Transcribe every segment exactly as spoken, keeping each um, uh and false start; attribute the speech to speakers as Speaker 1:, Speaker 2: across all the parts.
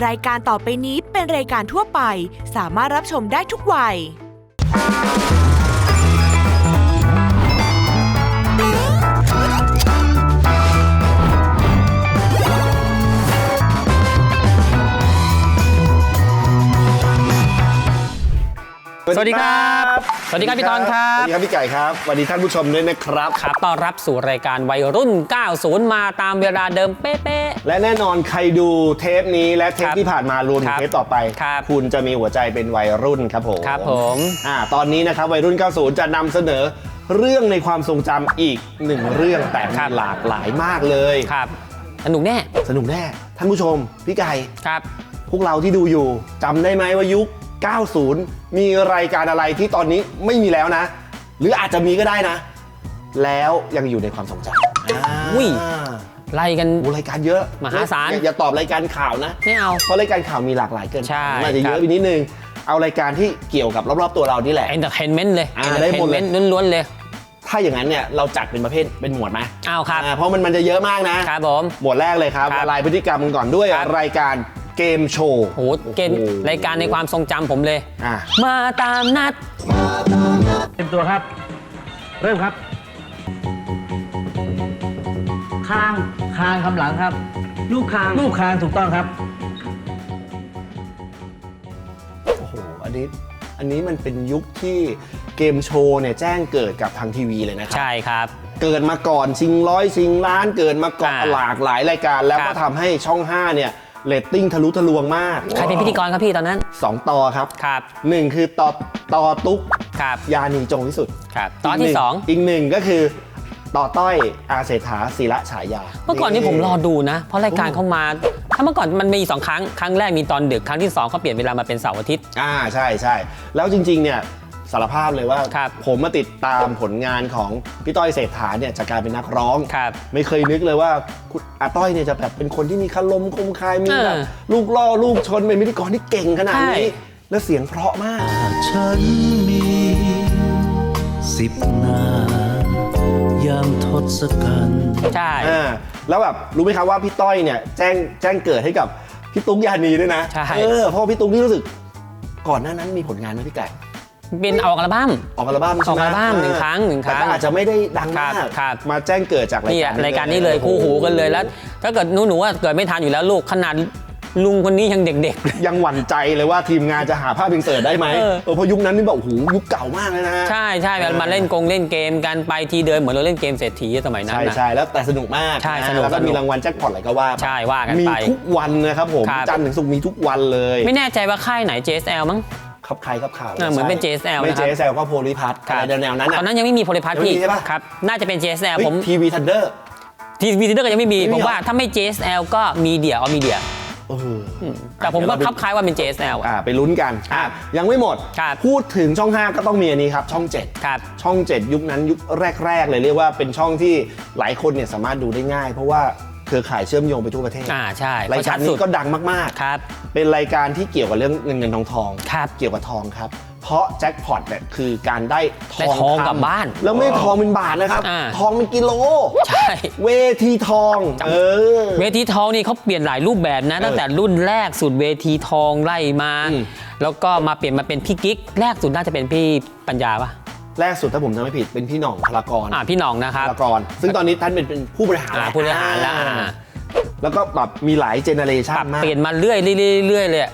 Speaker 1: รายการต่อไปนี้เป็นรายการทั่วไปสามารถรับชมได้ทุกวัย
Speaker 2: สวัสดีครับสวัสดีครับพี่ตอนครับ
Speaker 3: สวัสดีครับพี่ไก่ครับสวัสดีท่านผู้ชมด้วยนะครับ
Speaker 2: ครับต้อนรับสู่รายการวัยรุ่น เก้าสิบ มาตามเวลาเดิมเป๊ะๆ
Speaker 3: และแน่นอนใครดูเทปนี้และเทปที่ผ่านมารวมถึงเทปต่อไปคุณจะมีหัวใจเป็นวัยรุ่นครับผม
Speaker 2: ครับผม
Speaker 3: อ่าตอนนี้นะครับวัยรุ่น เก้าสิบ จะนำเสนอเรื่องในความทรงจำอีกหนึ่งเรื่องแต่มีหลากหลายมากเลย
Speaker 2: ครับสนุกแน่
Speaker 3: สนุกแน่ท่านผู้ชมพี่ไก่
Speaker 2: ครับ
Speaker 3: พวกเราที่ดูอยู่จำได้ไหมว่ายุคเก้าสิบ มีรายการอะไรที่ตอนนี้ไม่มีแล้วนะหรืออาจจะมีก็ได้นะแล้วยังอยู่ในความทรงจำ
Speaker 2: อุ้ยไล่กัน
Speaker 3: รายการเยอะ
Speaker 2: มหาศาล
Speaker 3: อย่าตอบรายการข่าวนะ
Speaker 2: ไม่เอา
Speaker 3: เพราะรายการข่าวมีหลากหลายเกิน
Speaker 2: ใช่
Speaker 3: อาจจะเยอะไปนิดนึงเอารายการที่เกี่ยวกับรอบๆตัวเรานี่แหละ
Speaker 2: entertainment เลย
Speaker 3: entertainment
Speaker 2: ล้วนๆเลย
Speaker 3: ถ้าอย่างนั้นเนี่ยเราจัดเป็นประเภทเป็นหมวดไหม
Speaker 2: เอาครับ
Speaker 3: เพราะมันมันจะเยอะมากนะครับ
Speaker 2: ผม
Speaker 3: หมวดแรกเลยครับละลายพฤติกรรมกันก่อนด้วยรายการเกมโชว์
Speaker 2: โหเกมรายการในความทรงจำผมเลยมาตามนัด
Speaker 4: เตรียมตัวครับเริ่มครับคางคางคำหลังครับลูกคางลูกคางถูกต้องครับ
Speaker 3: โอ้โหอันนี้อันนี้มันเป็นยุคที่เกมโชว์เนี่ยแจ้งเกิดกับทางทีวีเลยนะครับ
Speaker 2: ใช่ครับ
Speaker 3: เกิดมาก่อนชิงร้อยชิงล้านเกิดมาก่อนหลากหลายรายการแล้วก็ทำให้ช่องห้าเนี่ยเรตติ้งทะลุทะลวงมาก
Speaker 2: ใครเป็นพิธีกรครับพี่ตอนนั้น
Speaker 3: สองต่อครับ
Speaker 2: ครับ
Speaker 3: หนึ่งคือต่อต่อตุ๊ก
Speaker 2: ครับ
Speaker 3: ยานีจงวิสุทธิ์
Speaker 2: ครับตอนที่สอง
Speaker 3: อีกหนึ่งก็คือต่อต้อยอาเศรษฐาศิระฉายา
Speaker 2: เมื่อก่อนนี้ผมรอดูนะเพราะรายการเข้ามาถ้าเมื่อก่อนมันมีสองครั้งครั้งแรกมีตอนดึกครั้งที่สองเขาเปลี่ยนเวลามาเป็นเสาร์อาทิตย์
Speaker 3: อ่าใช่ใช่แล้วจริงๆเนี่ยสารภาพเลยว่าผมมาติดตามผลงานของพี่ต้อยเศรษฐาเนี่ยจากการเป็นนักร้องไม่เคยนึกเลยว่าอาต้อยเนี่ยจะแบบเป็นคนที่มีคารมคมคายมีแบบลูกล่อลูกชนเป็นพิธีกรที่เก่งขนาดนี้และเสียงเพราะมาก
Speaker 5: ฉันมีสิบนายามทศกัณฐ์
Speaker 2: ใช่
Speaker 3: แล้วแบบรู้ไหมครับว่าพี่ต้อยเนี่ยแจ้งแจ้งเกิดให้กับพี่ตุ๊กยานีด้วยนะเออเพราะพี่ตุ๊กนี่รู้สึกก่อนหน้านั้นมีผลงานไหมพี่ไก่
Speaker 2: เป็นออกอัลบั้ม
Speaker 3: ออกอัลบั้ม
Speaker 2: ออกอัลบั้มหนึ่งครั้งหนึ่งครั้ง
Speaker 3: แต่อาจจะไม่ได้ดังมากมาแจ้งเกิดจากรายการ
Speaker 2: รายการนี้เลยคู่หูกันเลยแล้วถ้าเกิดหนูหนูว่าเกิดไม่ทันอยู่แล้วลูกขนาดลุงคนนี้ยังเด็ก
Speaker 3: ๆยังหวั่นใจเลยว่าทีมงานจะหาภาพอินเสิร์ตได้ไหมเออเพราะยุคนั้นนี่แบบโอ้โหยุคเก่ามากเลยนะ
Speaker 2: ใช่ใช่มาเล่นกงเล่นเกมกันไปทีเดินเหมือนเราเล่นเกมเศรษฐีสมัยนั้น
Speaker 3: ใช่ใช่แล้วแต่สนุกมาก
Speaker 2: ใช่สนุก
Speaker 3: แล้วก็มีรางวัลแจ็คพอตอะไรก็ว่า
Speaker 2: ใช่ว่ากัน
Speaker 3: ไปมีทุกวันนะครับผมจันทร์ถึงศุกร์มีทุกวันเลย
Speaker 2: ไม่แน่ใจว่าค่ายไหน เจ เอส แอล มั้ง
Speaker 3: ครับใครครับข่าว
Speaker 2: เหมือนเป็น เจ เอส แอล
Speaker 3: ไม่ เจ เอส แอล ก็โพลิพัทอะไรแนวๆนั้น
Speaker 2: ตอนนั้นยังไม่มีโพลิพัทพี่ครับน่าจะเป็น เจ เอส แอล ผม
Speaker 3: ทีวีทันเดอร์
Speaker 2: ทีวีทันเดอร์ก็ยังไม่มีผมว่าถ้าไม่ เจ เอส แอล ก็มีเดียออมีเดียแต่ผมก็คับคล้ายว่าเป็น เจ เอส แอล
Speaker 3: อ่าไปลุ้นกันยังไม่หมดพูดถึงช่องห้าก็ต้องมีอันนี้ครับช่องเจ็ด
Speaker 2: ครับ
Speaker 3: ช่องเจ็ดยุคนั้นยุคแรกๆเลยเรียกว่าเป็นช่องที่หลายคนเนี่ยสามารถดูได้ง่ายเพราะว่าเครือข่ายเชื่อมโยงไปทั่วประเทศ
Speaker 2: อ่าใช่
Speaker 3: รายการนี้ก็ดังมาก
Speaker 2: ๆครับ
Speaker 3: เป็นรายการที่เกี่ยวกับเรื่องเงินเงินทองทอง
Speaker 2: ครับ
Speaker 3: เกี่ยวกับทองครับเพราะแจ็คพอตเนี่ยคือการได้ทอง
Speaker 2: ทองกลับบ้าน
Speaker 3: แล้วไม่ทองเป็นบาทนะครับทองเป็นกิโล
Speaker 2: ใช่
Speaker 3: เวทีทองเออ
Speaker 2: เวทีทองนี่เขาเปลี่ยนหลายรูปแบบนะตั้งแต่รุ่นแรกสุดเวทีทองไล่มาแล้วก็มาเปลี่ยนมาเป็นพี่กิ๊กแรกสุดน่าจะเป็นพี่ปัญญาปะ
Speaker 3: แรกสุดถ้าผมจำไม่ผิดเป็นพี่หน่องพลากร
Speaker 2: อ่าพี่หน่องนะครับ
Speaker 3: พลากรซึ่งตอนนี้ท่านเป็นเป็นผู้บริหาร
Speaker 2: ผู้บริหารแล้ว
Speaker 3: แล้วก็แบบมีหลายเจเนอเรชันมาก
Speaker 2: เปลี่ยนมาเรื่อยเรื่อยเลย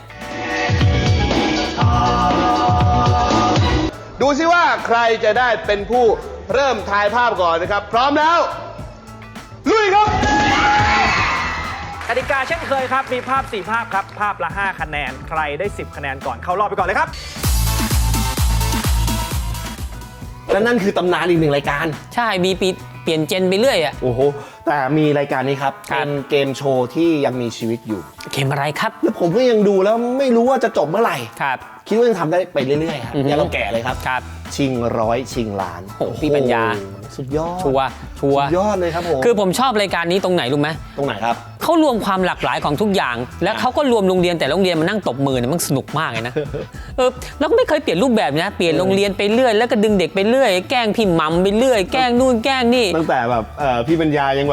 Speaker 6: ดูซิว่าใครจะได้เป็นผู้เริ่มถ่ายภาพก่อนนะครับพร้อมแล้วลุยครับ
Speaker 4: กติกาเช่นเคยครับมีภาพสี่ภาพครับภาพละห้าคะแนนใครได้สิบคะแนนก่อนเข้ารอบไปก่อนเลยครับ
Speaker 3: และนั่นคือตำนานอีกหนึ่งรายการ
Speaker 2: ใช่มีปีเปลี่ยนเจนไปเรื่อยอ่ะ
Speaker 3: โอ้โหแต่มีรายการนี้ครับเป็นเกมโชว์ที่ยังมีชีวิตอยู่
Speaker 2: เกมอะไรครับ
Speaker 3: แล้วผมก็ยังดูแล้วไม่รู้ว่าจะจบเมื่อไหร่
Speaker 2: ครับ
Speaker 3: คิดว่าจะทำได้ไปเรื่อยๆครับอย่าเราแก่เลยครับ
Speaker 2: ครับ
Speaker 3: ชิงร้อยชิงล้าน
Speaker 2: โอ้พี่ปัญญา
Speaker 3: สุดยอด
Speaker 2: ชัวชัว
Speaker 3: สุดยอดเลยครับผม
Speaker 2: คือผมชอบรายการนี้ตรงไหนรู้ไหม
Speaker 3: ตรงไหนครับ
Speaker 2: เขารวมความหลากหลายของทุกอย่างแล้วเขาก็รวมโรงเรียนแต่โรงเรียนมานั่งตบมือเนี่ยมันสนุกมากเลยนะเออแล้วก็ไม่เคยเปลี่ยนรูปแบบนะเปลี่ยนโรงเรียนไปเรื่อยแล้วก็ดึงเด็กไปเรื่อยแกล้งพี่หม่ำไปเรื่อยแกล้งนู่นแกล้งนี่
Speaker 3: ตั้งแต่แบบพี่ปัญญายังแบบ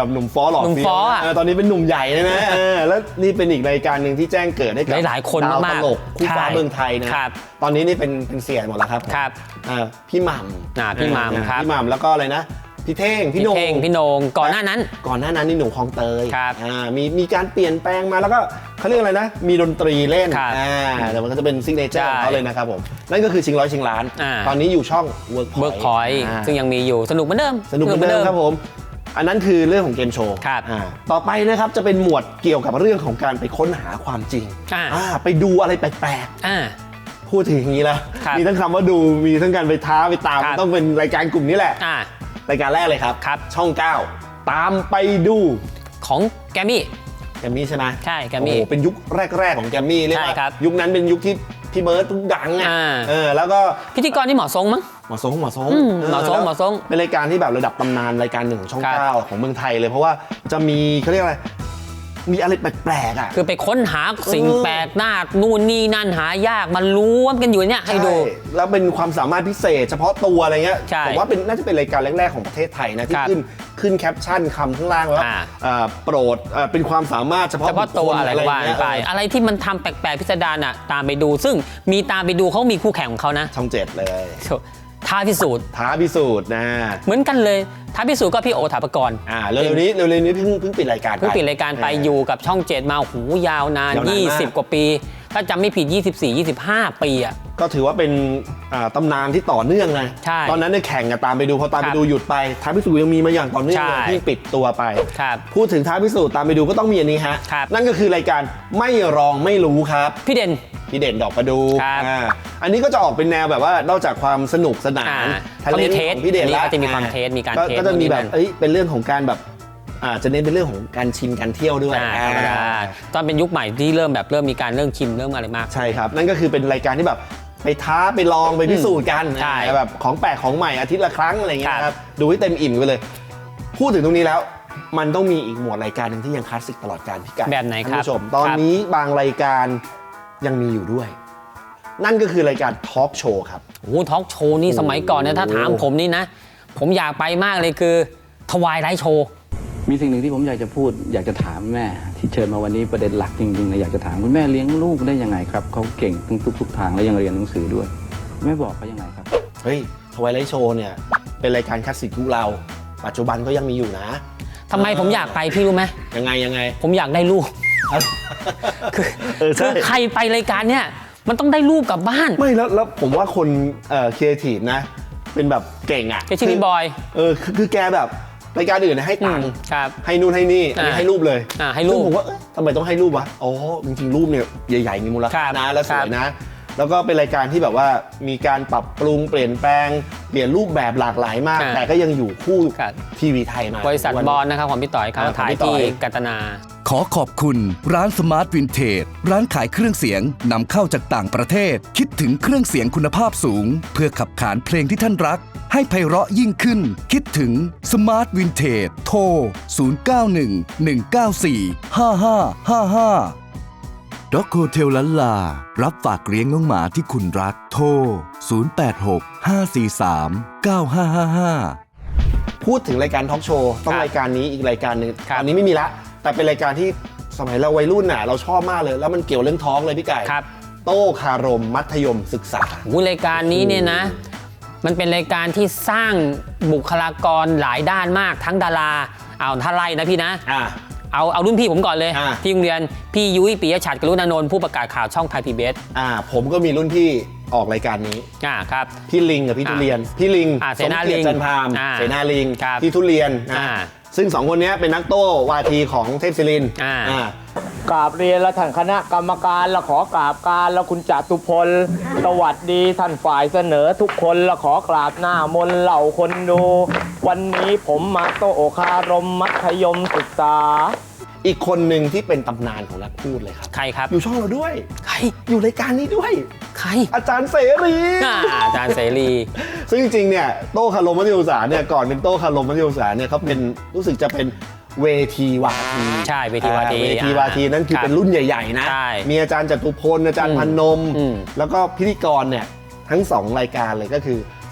Speaker 3: แบบหนุ่มฟ้อหล่อ
Speaker 2: หนุ่ม
Speaker 3: เฟี้
Speaker 2: ฟ้
Speaker 3: ยว
Speaker 2: ออะ
Speaker 3: เออตอนนี้เป็นหนุ่มใหญ่เลยนะเออแล้วนี่เป็นอีกรายการหนึ่งที่แจ้งเกิดให้กับ
Speaker 2: หลายๆคน
Speaker 3: ดาว
Speaker 2: มา
Speaker 3: ต
Speaker 2: กๆ
Speaker 3: ลกคู่ฟ้า
Speaker 2: ใช่
Speaker 3: เมืองไทยนะครับ ตอนนี้นี่เป็นเป็นเสียหมดแล้วครับ
Speaker 2: ครับ
Speaker 3: เออพี่หม่ำ
Speaker 2: อ่าพี่หม่ำ
Speaker 3: เออ
Speaker 2: ครับ
Speaker 3: พี่หม่ำแล้วก็อะไรนะพี่เท่งพี่
Speaker 2: พี่
Speaker 3: โหนง
Speaker 2: เท่งพี่โหนงก่อนหน้านั้น
Speaker 3: ก่อนหน้านั้นนี่หนุ่มคลองเตย
Speaker 2: ครับ
Speaker 3: อ่ามีมีการเปลี่ยนแปลงมาแล้วก็เขาเรียกอะไรนะ มีดนตรีเล่น
Speaker 2: ครับ
Speaker 3: อ่าแต่มันก็จะเป็นซิกเนเจอร์
Speaker 2: ใช่
Speaker 3: ของเขาเลยนะครับผมนั่นก็คือชิงร้อยชิงล้าน
Speaker 2: อ่า
Speaker 3: ตอนนี้อยู่ช่อง Workpoint
Speaker 2: เบิร์กพอยต์
Speaker 3: อ่า
Speaker 2: ซึ่งยังมีอยู่สนุกเหมือนเดิม
Speaker 3: สนุกเหมือนเดิมครับผม อันนั้นคือเรื่องของเกมโชว์
Speaker 2: ครับ
Speaker 3: อ่าต่อไปนะครับจะเป็นหมวดเกี่ยวกับเรื่องของการไปค้นหาความจริง
Speaker 2: อ่า
Speaker 3: อ่าไปดูอะไรแปลก
Speaker 2: อ่า
Speaker 3: ๆ พูดถึงอย่างนี้แล้ว
Speaker 2: ครับ
Speaker 3: มีทั้งคำว่าดูมีทั้งการไปท้าไปตาม
Speaker 2: ครับ
Speaker 3: ต้องเป็นรายการกลุ่มนี้แหละ
Speaker 2: อ่า
Speaker 3: รายการแรกเลยครับ
Speaker 2: ครับ
Speaker 3: ช่องเก้าตามไปดู
Speaker 2: ของแกมมี่
Speaker 3: แกมมี่ใช่ไหม
Speaker 2: ใช่แกมมี่
Speaker 3: โอ้โหเป็นยุคแรก ๆ ของแกมมี่เรียก
Speaker 2: ใช่
Speaker 3: ว่า
Speaker 2: ครับ
Speaker 3: ยุคนั้นเป็นยุคที่พี่เบิร์ดทุกดังอ่ะ
Speaker 2: อ่า
Speaker 3: เออแล้วก็
Speaker 2: พิธีกรที่เหมาะสมมั้ง
Speaker 3: หมอสงหมอสง
Speaker 2: อืมหมอสง
Speaker 3: แล้ว
Speaker 2: หมอสง
Speaker 3: เป็นรายการที่แบบระดับตำนานรายการหนึ่งของช่อง
Speaker 2: ครับ
Speaker 3: เก้าของเมืองไทยเลยเพราะว่าจะมีเขาเรียกอะไรมีอะไรแปลกๆอ่ะ
Speaker 2: คือไปค้นหาสิ่ง
Speaker 3: เออ
Speaker 2: แปลกหน้านู่นนี่นั่นหายากมันล้วนกันอยู่เนี่ยให้ดู
Speaker 3: ช่แล้วเป็นความสามารถพิเศษ เฉพาะตัวอะไรเงี้ย
Speaker 2: ใช่
Speaker 3: ผมว่าเป็นน่าจะเป็นรายการแรกๆของประเทศไทยนะที่
Speaker 2: ครับ
Speaker 3: ขึ้นขึ้นแคปชั่นคำข้างล่างว่า
Speaker 2: อ่า
Speaker 3: เอ่อโปรดเอ่อเป็นความสามารถเฉพาะ
Speaker 2: เฉพาะตัว
Speaker 3: บุคคล
Speaker 2: อะไรก็ว่า
Speaker 3: เงี้ย
Speaker 2: ไป
Speaker 3: เออ
Speaker 2: อะไรที่มันทำแปลกๆพิสดารอ่ะตามไปดู ซึ่งมีตามไปดูเขามีคู่แข่งของเขานะ
Speaker 3: ช่องเจ็ดเลย
Speaker 2: ท้าพิสูจน์
Speaker 3: ท้าพิสูจน์นะ
Speaker 2: เหมือนกันเลยท้าพิสูจน์ก็พี่โอถาปกรณ์
Speaker 3: อ่าเร็วๆนี้เร็วๆนี้เพิ่งเพิ่งปิดรายการไป
Speaker 2: เพิ่งปิดรายการไปอยู่กับช่องเจ็ดมาโอ้โหยาวนาน
Speaker 3: ยาวนานมาก
Speaker 2: ยี่สิบ กว่าปี ถ้าจำไม่ผิด ยี่สิบสี่ ยี่สิบห้า ปีอ่ะ
Speaker 3: ก็ถือว่าเป็นอ่าตำนานที่ต่อเนื่องไง
Speaker 2: ใช่
Speaker 3: ตอนนั้นเนี่ยแข่งกันตามไปดูพอตาม
Speaker 2: ค
Speaker 3: ไป
Speaker 2: รับ
Speaker 3: ดูหยุดไปท้าพิสูจน์ยังมีมาอย่างต่อเนื่อง
Speaker 2: ใช่
Speaker 3: เลยที่ปิดตัวไป
Speaker 2: ครับ
Speaker 3: พูดถึงท้าพิสูจน์ตามไปดูก็ต้องมีอันนี้ฮะ
Speaker 2: ครับ
Speaker 3: นั่นก็คือรายการไม่รองไม่รู้ครับ
Speaker 2: พี่เด่น
Speaker 3: พี่เด่นดอกประดู
Speaker 2: ครับ
Speaker 3: อ่าอันนี้ก็จะออกเป็นแนวแบบว่านอกจากความสนุกสนาน
Speaker 2: อ่า
Speaker 3: ทะเล
Speaker 2: เขามีเทส
Speaker 3: ของพี่เด่น
Speaker 2: อันนี้
Speaker 3: แล้ว
Speaker 2: ก็จะมีความเทสมีการ
Speaker 3: ก็
Speaker 2: เทส
Speaker 3: ก็จะมีแบบ
Speaker 2: นู่นนี่นั่น
Speaker 3: เอ้ยเป็นเรื่องของการแบบอ่าจะเน้นเป็นเรื่องของการชิมการเที่ยวด้วย
Speaker 2: อ่าธรรมดา
Speaker 3: อ่า
Speaker 2: ตอนเป็นยุคใหม่ที่เริ่มแบบเริ่มมีการเริ่มชิมเริ่มอะไรมาก
Speaker 3: ใช่ครับ นั่นก็คือเป็นรายการที่แบบไปท้าไปลองไปพิสูจน์กัน
Speaker 2: ใช่
Speaker 3: อ่าแบบของแปลกของใหม่อาทิตย์ละครั้งอะไรเงี้ย
Speaker 2: ครับ
Speaker 3: ครับดูให้เต็มอิ่มกันเลย พูดถึงตรงนี้แล้ว มันต้องมีอีกหมวดรายการหนึ่งที่ยังคลาสสิกตลอดการพี่ไก่
Speaker 2: แบบไหนครับ
Speaker 3: ท่านผู้ชมตอนนี้บางรายการยังมีอยู่ด้วย นั่นก็คือรายการทอล์กโชว์ครับ
Speaker 2: โอ้โหทอล์กโชว์นี่สมัยก่อนเนี่ยถ้าถามผมนี่นะ ผมอยากไปมากเลยคือทวายไลท์โชว์
Speaker 7: มีสิ่งหนึ่งที่ผมอยากจะพูดอยากจะถามแม่ที่เชิญมาวันนี้ประเด็นหลักจริงๆนะอยากจะถามคุณแม่เลี้ยงลูกได้ยังไงครับเขาเก่งทุกทุกๆทางและยังเรียนหนังสือด้วยแม่บอกเขายังไงครับ
Speaker 3: เฮ้ยทวายไลท์โชว์เนี่ยเป็นรายการคลาสสิกยุคเรา ปัจจุบันก็ยังมีอยู่นะ
Speaker 2: ทำไมผมอยากไปพี่รู้ไหม
Speaker 3: ยังไงยังไง
Speaker 2: ผมอยากได้รูป คือ
Speaker 3: เออใช่
Speaker 2: คือใครไปรายการเนี่ยมันต้องได้รูปกลับบ้าน
Speaker 3: ไม่แล้วแล้วผมว่าคนเอ่อครีเอทีฟนะ เป็นแบบเก่งอ่ะ
Speaker 2: แกชื่อพี่บอย
Speaker 3: เออคือคือแกแบบรายการอื่นนะให้ตังค์
Speaker 2: อืมครับ
Speaker 3: ให้นู่นให้นี่อันนี้
Speaker 2: อ่า
Speaker 3: ให้รูปเลย
Speaker 2: อ่าให้รูป
Speaker 3: ซึ่งผมว่าเอ๊ะทำไมต้องให้รูปวะอ๋อจริงๆรูปเนี่ยใหญ่ๆมีมูลค่า
Speaker 2: ครับ
Speaker 3: นะและส
Speaker 2: ครั
Speaker 3: ว
Speaker 2: บ
Speaker 3: ยนะ แล้วก็เป็นรายการที่แบบว่ามีการปรับปรุงเปลี่ยนแปลงเปลี่ยนรูปแบบหลากหลายมาก
Speaker 2: อ่า
Speaker 3: แต่ก็ยังอยู่คู่
Speaker 2: ครับ
Speaker 3: ทีวีไทยมา
Speaker 2: บริษัท
Speaker 3: วัน
Speaker 2: บ
Speaker 3: นี้
Speaker 2: อลนะครับของพี่ต่อยเขา
Speaker 3: อ่าของ
Speaker 2: ถ่าย
Speaker 3: พี่ต่
Speaker 2: ที่
Speaker 3: อย
Speaker 2: กัตนา
Speaker 5: ขอขอบคุณร้านสมาร์ทวินเทจร้านขายเครื่องเสียงนำเข้าจากต่างประเทศ คิดถึงเครื่องเสียงคุณภาพสูง เพื่อขับขานเพลงที่ท่านรัก ให้ไพเราะยิ่งขึ้น คิดถึงสมาร์ทวินเทจโทร ศูนย์ เก้า หนึ่ง หนึ่ง เก้า สี่ ห้า ห้า ห้า ห้า ด็อกโฮเทลลันลา รับฝากเลี้ยงน้องหมาที่คุณรัก โทร ศูนย์ แปด หก ห้า สี่ สาม เก้า ห้า ห้า ห้า
Speaker 3: พูดถึงรายการทอล์กโชว์ต้อง
Speaker 2: ครับ
Speaker 3: รายการนี้อีกรายการหนึ่ง
Speaker 2: ครับ
Speaker 3: ตอนนี้ไม่มีละ แต่เป็นรายการที่สมัยเราวัยรุ่นน่ะเราชอบมากเลย แล้วมันเกี่ยวเรื่องท้องเลยพี่ไก่
Speaker 2: ครับ
Speaker 3: โต้คารมมัธยมศึกษา
Speaker 2: โอ้โหรายการนี้เนี่ยนะ มันเป็นรายการที่สร้างบุคลากรหลายด้านมากทั้งดาราเอาถ้าไล่นะพี่นะ
Speaker 3: อ่า
Speaker 2: เอาเอารุ่นพี่ผมก่อนเลย
Speaker 3: อ่า
Speaker 2: ที่โรงเรียนพี่ยุ้ยปิยฉัตรกรุณานนท์ผู้ประกาศข่าวช่องไทยพีบีเอส
Speaker 3: อ่า ผมก็มีรุ่นพี่ออกรายการนี้
Speaker 2: อ่าครับ
Speaker 3: พี่ลิงกับพี่
Speaker 2: อ่า
Speaker 3: ทุเรียน พี่ลิง
Speaker 2: อ่าเสนา
Speaker 3: สมกียรติ
Speaker 2: ลิง
Speaker 3: จันทาม
Speaker 2: อ่า
Speaker 3: เสนาลิง
Speaker 2: ครับ
Speaker 3: พี่ทุเรียนนะ
Speaker 2: อ่า
Speaker 3: ซึ่งสองคนนี้เป็นนักโต้วาทีของเทพศิรินทร์
Speaker 2: อ่า
Speaker 3: อ่า
Speaker 8: กราบเรียนและท่านคณะกรรมการและขอกราบการและคุณจตุพลสวัสดีท่านฝ่ายเสนอทุกคนและขอกราบหน้ามนต์เหล่าคนดู วันนี้ผมมาโตคารมมัธยมศึกษา
Speaker 3: อีกคนหนึ่งที่เป็นตำนานของนักพูดเลยครับ
Speaker 2: ใครครับ
Speaker 3: อยู่ช่องเราด้วย
Speaker 2: ใคร
Speaker 3: อยู่รายการนี้ด้วย
Speaker 2: ใคร
Speaker 3: อาจารย์เสรี
Speaker 2: อ่าอาจารย์เสรี
Speaker 3: ซึ่งจริงๆ เนี่ยโต้คารมมัธยมศึกษาเนี่ยก่อนเป็นโต้คารมมัธยมศึกษาเนี่ยเขาเป็นรู้สึกจะเป็นเวทีวาที
Speaker 2: ใช่เวทีวาที
Speaker 3: อ่เวทีวาทีนั่นคือ
Speaker 2: ครับ
Speaker 3: เป็นรุ่นใหญ่ๆนะ
Speaker 2: ใช่
Speaker 3: มีอาจารย์จตุพลอาจารย์
Speaker 2: อืม
Speaker 3: พนม
Speaker 2: อืม
Speaker 3: แล้วก็พิธีกรเนี่ยทั้งสองรายการเลยก็คือ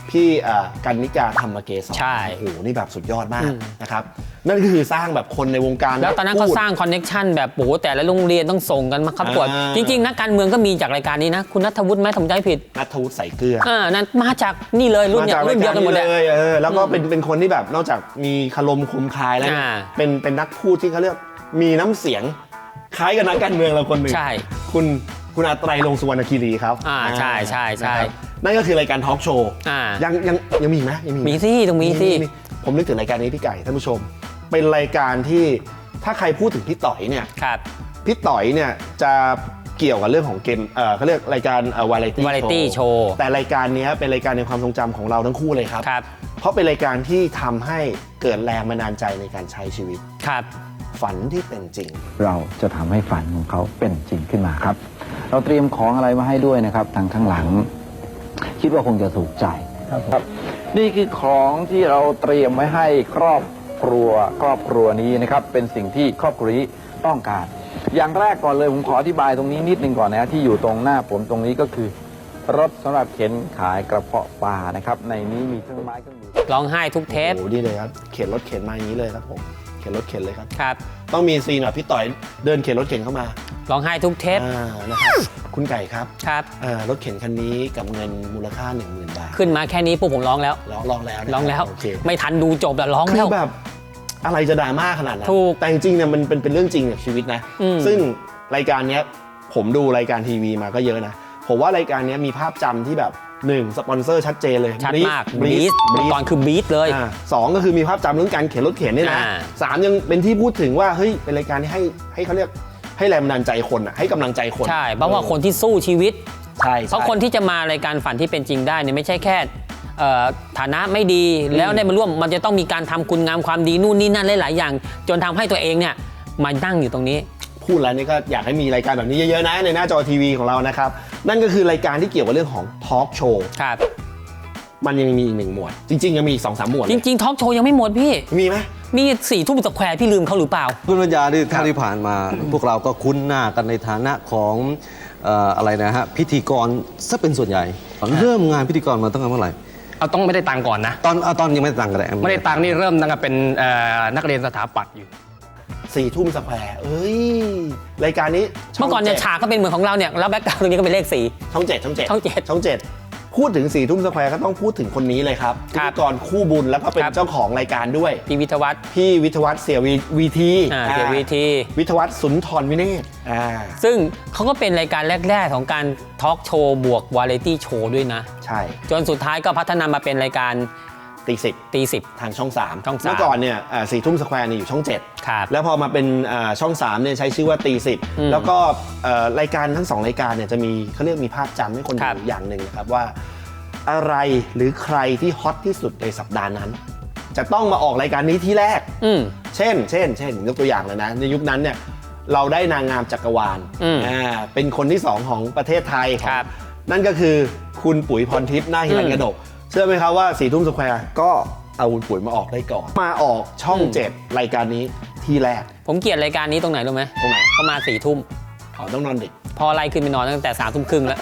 Speaker 3: พี่อ่ากันนิกาธรรมเกศร
Speaker 2: ใช่
Speaker 3: โอ้โหนี่แบบสุดยอดมาก
Speaker 2: อืม
Speaker 3: นะครับนั่นก็คือสร้างแบบคนในวงการ
Speaker 2: แล้วตอนนั้นเขา
Speaker 3: พูด
Speaker 2: สร้างคอนเน็กชันแบบโอ้โหแต่ละโรงเรียนต้องส่งกันมาครับกวด
Speaker 3: อ่า
Speaker 2: จริงๆนักการเมืองก็มีจากรายการนี้นะ คุณนัทวุฒิไหมผมจำไม่ผิด
Speaker 3: นัทวุฒิใส่เกลือ
Speaker 2: อ่านั่นมาจากนี่เลยรุ่น
Speaker 3: มา
Speaker 2: เดีย
Speaker 3: จาก
Speaker 2: วรุ่นเดียวกันหมด
Speaker 3: เล
Speaker 2: เลย
Speaker 3: ยเออแล้วก็เป็นเป็นคนที่แบบนอกจากมีคารมคมคายแล้วเนี่ย
Speaker 2: อ่า
Speaker 3: เป็นเป็นนักพูดที่เขาเรียกมีน้ำเสียงคล้ายกับนักการเมืองเราคนหนึ่ง
Speaker 2: ใช่
Speaker 3: คุณคุณอาไตรลงค์สุวรรณคีรีครับ
Speaker 2: อ่าใช่ใช่ใช่
Speaker 3: นะครับนั่นก็คือรายการทอล์กโชว์
Speaker 2: อ่า
Speaker 3: ยังยังยังมีอีกไหมยังมีอีกไห
Speaker 2: มีสิต้องมีสิ
Speaker 3: ผมนึกถึงรายการนี้พี่ไก่ท่านผู้ชม เป็นรายการที่ถ้าใครพูดถึงพี่ต่อยเนี่ย
Speaker 2: ครับ
Speaker 3: พี่ต่อยเนี่ยจะเกี่ยวกับเรื่องของเกมเอ่อเขาเรียกรายการเอ่อวาไรตี้
Speaker 2: Variety Show
Speaker 3: แต่รายการเนี้ยเป็นรายการในความทรงจำของเราทั้งคู่เลยครับ
Speaker 2: ครับ
Speaker 3: เพราะเป็นรายการที่ทำให้เกิดแรงบันดาลใจในการใช้ชีวิต
Speaker 2: ครับ
Speaker 3: ฝันที่เป็นจริง
Speaker 7: เราจะทำให้ฝันของเขาเป็นจริงขึ้นมาครับ เราเตรียมของอะไรมาให้ด้วยนะครับทางข้างหลัง คิดว่าคงจะถูกใจครับ นี่คือของที่เราเตรียมไว้ให้ครอบครัวครอบครัวนี้นะครับ เป็นสิ่งที่ครอบครัวนี้ต้องการ อย่างแรกก่อนเลยผมขออธิบายตรงนี้นิดนึงก่อนนะที่อยู่ตรงหน้าผมตรงนี้ก็คือ รถสำหรับเข็นขายกระเพาะปลานะครับในนี้มีเครื่องไม้เครื่องมือ
Speaker 2: ร้องไห้ทุกเทป
Speaker 3: โอ้โหดีเลยครับเข็นรถเข็นมาอย่างนี้เลยครับผมเข็นรถเข็นเลยครับ
Speaker 2: ครับ
Speaker 3: ต้องมีซีนแบบพี่ต่อยเดินเข็นรถเข็นเข้ามา
Speaker 2: ร้องไห้ทุกเทป
Speaker 3: อ่านะครับคุณไก่ครับ
Speaker 2: ครับ
Speaker 3: เอ่อรถเข็นคันนี้กับเงินมูลค่า หนึ่งหมื่น บาท
Speaker 2: ขึ้นมาแค่นี้ปุ๊บผมร้องแล้ว
Speaker 3: ร้องร้องแล้วนะครับ
Speaker 2: ร้องแล้ว
Speaker 3: โอเค
Speaker 2: ไม่ทันดูจบแล้วร้อง
Speaker 3: คื
Speaker 2: แล้
Speaker 3: อ
Speaker 2: ว
Speaker 3: แบบอะไรจะดราม่าขนาดนั้น
Speaker 2: ถูก
Speaker 3: แต่จริงๆเนี่ยมันเป็นเป็นเรื่องจริงกับชีวิตนะ
Speaker 2: อืม
Speaker 3: ซึ่งรายการเนี้ยผมดูรายการทีวีมาก็เยอะนะ ผมว่ารายการเนี้ยมีภาพจำที่แบบหนึ่งสปอนเซอร์ชัดเจนเลย
Speaker 2: ชัดมาก
Speaker 3: บลี
Speaker 2: บี
Speaker 3: ส
Speaker 2: ท
Speaker 3: บลีส
Speaker 2: ตอนคือบีทเลย
Speaker 3: อ่าสองก็คือมีภาพจำเรื่องการเข็นรถเข็นนี่นะ
Speaker 2: อ่า
Speaker 3: สามยังเป็นที่พูดถึงว่าเฮ้ยเป็นรายการที่ให้ให้เขาเรียกให้แรงบันดาลใจคนอ่ะให้กำลังใจคน
Speaker 2: ใช่เพราะว่าคนที่สู้ชีวิต
Speaker 3: ใช่
Speaker 2: เพราะคนที่จะมารายการฝันที่เป็นจริงได้เนี่ยไม่ใช่แค่เอ่อฐานะไม่ดีแล้วได้มาร่วมมันจะต้องมีการทำคุณงามความดีนู่นนี่นั่นหลายๆอย่าง จนทำให้ตัวเองเนี่ยมานั่งอยู่ตรงนี้
Speaker 3: พูดแล้วนี่ก็อยากให้มีรายการแบบนี้เยอะๆนะในหน้าจอทีวีของเรานะครับนั่นก็คือรายการที่เกี่ยวกับเรื่องของทอล์กโชว์
Speaker 2: ครับ
Speaker 3: มันยังมีอีกหนึ่งหมวด จริงๆยังมีอีกสองสามหมวด
Speaker 2: จริงๆทอล์กโชว์ยังไม่หมดพี่
Speaker 3: ๆมีไหม
Speaker 2: มีสี่ทุ่มสแควร์พี่ลืมเขาหรือเปล่า
Speaker 9: คุณปัญญาที่เท่าที่ผ่านมา พวกเราก็คุ้นหน้ากันในฐานะของเอ่ออะไรนะฮะพิธีกรซะเป็นส่วนใหญ่ เริ่มงานพิธีกรมาตั้งแต่เมื่อไหร่
Speaker 8: เอาต้องไม่ได้ตังค์ก่อนนะ
Speaker 9: ตอนเอาตอนยังไม่ได้ตังค์กันเลย
Speaker 8: ไม่ได้ตังค์นี่เริ่มตั้งแต่เป็นเอ่อนักเรียนสถาปัตย์อยู่
Speaker 3: สี่ทุ่มสแควร์เอ้ยรายการนี้ช่ง
Speaker 2: เมื่อก่อนเนี่ย
Speaker 3: จ็ด
Speaker 2: ฉากก็เป็นเหมือนของเราเนี่ยแล้วแบ็คกราวด์ตรงนี้ก็เป็นเลขสี่
Speaker 3: ช่องเจ็ดช่องเจ็ด
Speaker 2: ช่องเจ็ด
Speaker 3: ช่องเจ็ดพูดถึงสี่ทุ่มสแควร์ก็ต้องพูดถึงคนนี้เลยครับพิ
Speaker 2: ครั
Speaker 3: ธี
Speaker 2: บ
Speaker 3: กรคู่บุญแล้วก็เป็น
Speaker 2: ครับ
Speaker 3: เจ้าของรายการด้วย
Speaker 2: พี่วิทยวัฒน์
Speaker 3: พี่วิทยวัฒน์เสียวีวีที
Speaker 2: อ่าเสียวีที
Speaker 3: วิทยวัฒน์สุนทรวิเนศอ่า
Speaker 2: ซึ่งเขาก็เป็นรายการแรก ๆ ของการทอล์กโชว์บวกวาไรตี้โชว์ด้วยนะ
Speaker 3: ใช่
Speaker 2: จนสุดท้ายก็พัฒนามาเป็นรายการ
Speaker 3: ตีสิบ
Speaker 2: ตีสิบ
Speaker 3: ทางช่องสาม
Speaker 2: ช่องสาม
Speaker 3: เมื่อก่อนเนี่ยสี่ทุ่มสแควร์เนี่ยอยู่ช่องเจ็ด
Speaker 2: ครับ
Speaker 3: แล้วพอมาเป็นอ่าช่องสามเนี่ยใช้ชื่อว่าตีสิบ
Speaker 2: อืม
Speaker 3: แล้วก็เอ่อรายการทั้งสองรายการเนี่ยจะมีเขาเรียกมีภาพจำให้คน
Speaker 2: ครั
Speaker 3: ดู
Speaker 2: บ
Speaker 3: อย่างหนึ่งนะครับว่า อะไรหรือใครที่ฮอตที่สุดในสัปดาห์นั้น จะต้องมาออกรายการนี้ที่แรก
Speaker 2: อืม
Speaker 3: เช่น เช่น เช่นยกตัวอย่างเลยนะในยุคนั้นเนี่ยเราได้นางงามจักรวาล
Speaker 2: อืม
Speaker 3: อ่าเป็นคนที่สองของประเทศไทยของ
Speaker 2: ครับ
Speaker 3: นั่นก็คือคุณปุ๋ยพรทิพย์หน้าฮิรัน
Speaker 2: อืม
Speaker 3: กระดกเชื่อไหมครับว่าสี่ทุ่มสแควร์ก็เอาคุณปุ๋ยมาออกได้ก่อน มาออกช่อง
Speaker 2: อืม
Speaker 3: เจ็ดรายการนี้ที่แรก
Speaker 2: ผมเกลียดรายการนี้ตรงไหนรู้ไหม
Speaker 3: ตรงไหน
Speaker 2: ก็มาสี่ทุ่ม
Speaker 3: อ๋อต้องนอนดึก
Speaker 2: พอไล่ขึ้นไปนอนตั้งแต่สามทุ่มครึ่งแล้ว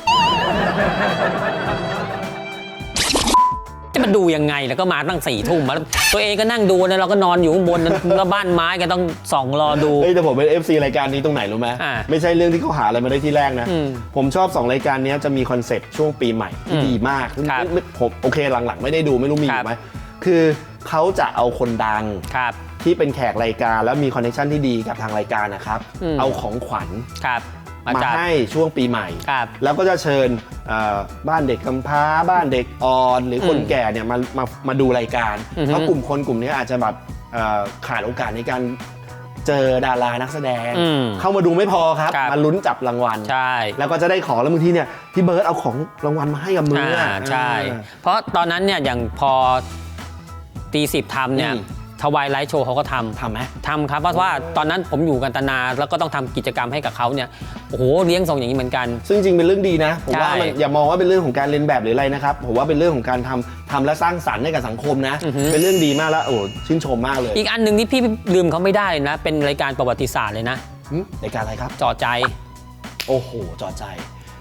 Speaker 2: จะมาดูยังไงแล้วก็มาตั้งสี่ทุ่มมาตัวเองก็นั่งดูนะเราก็นอนอยู่ข้างบนแล้วบ้านไม้ก็ต้องส่องรอดู
Speaker 3: เฮ้ยแต่ผมเป็น เอฟ ซี รายการนี้ตรงไหนรู้ไหม
Speaker 2: อ่า
Speaker 3: ไม่ใช่เรื่องที่เขาหาอะไรมาได้ที่แรกนะ
Speaker 2: อืม
Speaker 3: ผมชอบสองรายการนี้จะมีคอนเซ็ปต์ช่วงปีใหม่ที่
Speaker 2: อืม
Speaker 3: ดีมาก
Speaker 2: ครับ
Speaker 3: ไม่ไม่ผมโอเคหลังๆ ไม่ได้ดูไม่รู้มีอ
Speaker 2: ครั
Speaker 3: ยู่
Speaker 2: บ
Speaker 3: ไหมคือเขาจะเอาคนดัง
Speaker 2: ครับ
Speaker 3: ที่เป็นแขกรายการแล้วมีคอนเนคชั่นที่ดีกับทางรายการนะครับ
Speaker 2: อืม
Speaker 3: เอาของขวัญ
Speaker 2: ครับ มา
Speaker 3: มา
Speaker 2: จัด
Speaker 3: ให้ช่วงปีใหม่
Speaker 2: ครับ
Speaker 3: แล้วก็จะเชิญเอ่อบ้านเด็กกำพร้า บ้านเด็กอ่อน หรือคน
Speaker 2: อืม
Speaker 3: แก่เนี่ยมามามาดูรายการ
Speaker 2: อือฮึ
Speaker 3: เพราะกลุ่มคนกลุ่มนี้อาจจะแบบเอ่อขาดโอกาสในการเจอดารานักแสดง
Speaker 2: อืม
Speaker 3: เข้ามาดูไม่พอครับ
Speaker 2: ครับ
Speaker 3: มาลุ้นจับรางวัล
Speaker 2: ใช่
Speaker 3: แล้วก็จะได้ของแล้วบางทีเนี่ยพี่เบิร์ดเอาของรางวัลมาให้กับมืออ่ะ
Speaker 2: อ่าใช่
Speaker 3: อ่า
Speaker 2: เพราะตอนนั้นเนี่ยอย่างพอตีสิบทำเนี่ย
Speaker 3: อืม
Speaker 2: ทวายไลท์โชว์เขาก็ทำ
Speaker 3: ทำไหม
Speaker 2: ทำครับเพราะว่าตอนนั้นผมอยู่กันตนาแล้วก็ต้องทำกิจกรรมให้กับเขาเนี่ยโอ้โหเลี้ยงส่งอย่างนี้เหมือนกัน
Speaker 3: ซึ่งจริงเป็นเรื่องดีนะผมว่า
Speaker 2: ใช่
Speaker 3: มันอย่ามองว่าเป็นเรื่องของการเรียนแบบหรืออะไรนะครับผมว่าเป็นเรื่องของการทำทำและสร้างสรรค์ให้กับสังคมนะ
Speaker 2: อือฮึ
Speaker 3: เป็นเรื่องดีมากแล้วโอ้ชื่นชมมากเลย
Speaker 2: อีกอันหนึ่งที่พี่ลืมเขาไม่ได้นะ เป็นรายการประวัติศาสตร์เลยนะ
Speaker 3: หึรายการอะไรครับ
Speaker 2: จอใจ
Speaker 3: โอ้โหจอใจ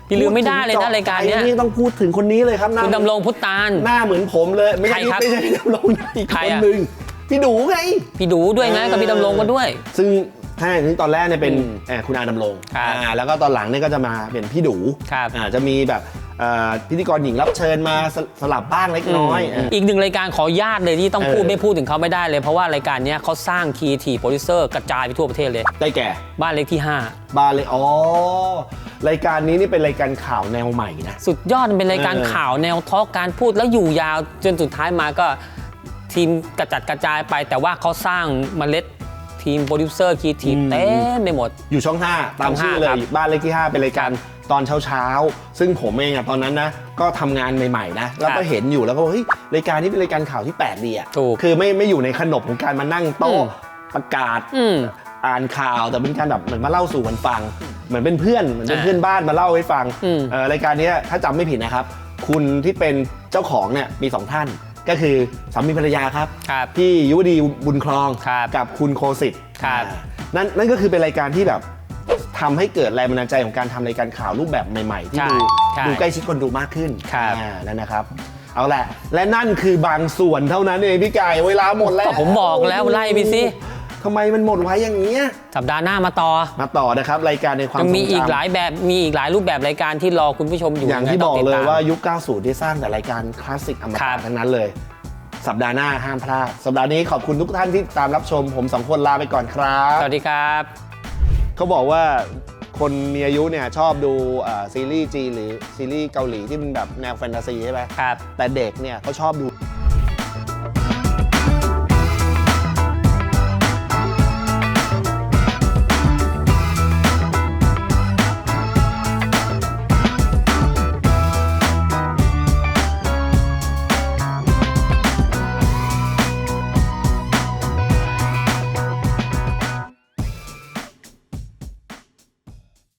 Speaker 2: พี่ลืมไม่ได้เลยนะรายการเนี้ย
Speaker 3: นี่ต้องพูดถึงคนนี้เลยครับหน้า
Speaker 2: คุณดำรงพุทธาน
Speaker 3: หน้าเหมือนผมเลยไม่ใช่
Speaker 2: ใครครับ
Speaker 3: ไม่ใช่พี่ดำรงนะอีก
Speaker 2: ใคร
Speaker 3: คน
Speaker 2: อะ
Speaker 3: หนึ่งพี่ดูไง
Speaker 2: พี่ดูด้วยนะกับพี่ดำรงก็ด้วย
Speaker 3: ซึ่งถ้าอย่างนี้ตอนแรกเนี่ยเป็น
Speaker 2: อืม
Speaker 3: เอ่อคุณอาดำรง
Speaker 2: ครับ
Speaker 3: อ่าแล้วก็ตอนหลังเนี่ยก็จะมาเป็นพี่ดู
Speaker 2: ครับ
Speaker 3: อ่าจะมีแบบเอ่อพิธีกรหญิงรับเชิญมาสสลับบ้างเล็กน้อย
Speaker 2: มอีกหนึ่งรายการขอญาตเลยที่ต้องพูด
Speaker 3: เออ
Speaker 2: ไม่พูดถึงเขาไม่ได้เลย เพราะว่ารายการเนี้ยเขาสร้างคีย์ทีโปรดิวเซอร์กระจายไปทั่วประเทศเลย
Speaker 3: ได้แก่
Speaker 2: บ้านเล็กที่ห้า
Speaker 3: บาเลยอ๋อรายการนี้นี่เป็นรายการข่าวแนวใหม่นะ
Speaker 2: สุดยอดมันเป็นรายการ
Speaker 3: เออ
Speaker 2: ข่าวแนวทอล์กการพูดแล้วอยู่ยาวจนสุดท้ายมาก็ทีมกระจัดกระจายไป แต่ว่าเขาสร้างเมล็ดทีมโปรดิวเซอร์คีย์ทีเต็มไปหมด
Speaker 3: อยู่ช่องห้าตามชื่อเล
Speaker 2: ช่องห้าครั
Speaker 3: ย
Speaker 2: บ
Speaker 3: บ้านเลขที่ห้าเป็นรายการตอนเช้าๆซึ่งผมเองอะตอนนั้นนะก็ทำงานใหม่ๆนะแล้วก็เห็นอยู่แล้วก็บอกเฮ้ยรายการนี้เป็นรายการข่าวที่แปลกดีอะ
Speaker 2: ถูก
Speaker 3: คือไม่ไม่อยู่ในขนบของการมานั่งโต๊ะ
Speaker 2: อืม
Speaker 3: ประกาศ
Speaker 2: อืม
Speaker 3: อ่านข่าวแต่เป็นการแบบเหมือนมาเล่าสู่กันฟัง เหมือนเป็นเพื่อนเหมือนเป็น
Speaker 2: อ่า
Speaker 3: เพื่อนบ้านมาเล่าให้ฟัง
Speaker 2: อืม
Speaker 3: เอ่อรายการเนี้ยถ้าจำไม่ผิดนะครับ คุณที่เป็นเจ้าของเนี่ยมีสองท่าน ก็คือสามีภรรยาครับ
Speaker 2: ครับ
Speaker 3: พี่ยุวดีบุญครอง
Speaker 2: ครับ
Speaker 3: กับคุณโคสิทธิ์
Speaker 2: ครับ
Speaker 3: อ่านั่นนั่นก็คือเป็นรายการที่แบบทำให้เกิดแรงบันดาลใจของการทำรายการข่าวรูปแบบใหม่ ๆ ที่
Speaker 2: ใช่
Speaker 3: ดู
Speaker 2: ใช่
Speaker 3: ดูใกล้ชิดคนดูมากขึ้น
Speaker 2: ครับ
Speaker 3: อ่านั่นนะครับ เอาแหละ และนั่นคือบางส่วนเท่านั้นเองพี่ไก่เวลาหมดแล้ว
Speaker 2: ก็ผมบอกแล้วไล่ไปสิ
Speaker 3: ทำไมมันหมดไว้อย่างเงี้ย
Speaker 2: สัปดาห์หน้ามาต่อ
Speaker 3: มาต่อนะครับรายการในความ
Speaker 2: ยังมี
Speaker 3: ทรงจำ
Speaker 2: อีกหลายแบบมีอีกหลายรูปแบบรายการที่รอคุณผู้ชมอยู่
Speaker 3: อย่างที่
Speaker 2: ไง
Speaker 3: บ
Speaker 2: ต้
Speaker 3: อก
Speaker 2: ติด
Speaker 3: เลย
Speaker 2: ตม
Speaker 3: ว่ายุค เก้าสิบ ที่สร้างแต่รายการคลาสสิกอม
Speaker 2: ครั
Speaker 3: ตะ
Speaker 2: บ
Speaker 3: ทั้งนั้นเลย สัปดาห์หน้าห้ามพลาด สัปดาห์นี้ขอบคุณทุกท่านที่ตามรับชม ผมสองคนลาไปก่อนครับ
Speaker 2: สวัสดีครับ
Speaker 3: เขาบอกว่าคนมีอายุเนี่ยชอบดูเอ่อซีรีส์จีนหรือซีรีส์เกาหลีที่มันแบบแนวแฟนตาซีใช่ไหม
Speaker 2: ครับ
Speaker 3: แต่เด็กเนี่ยเขาชอบดู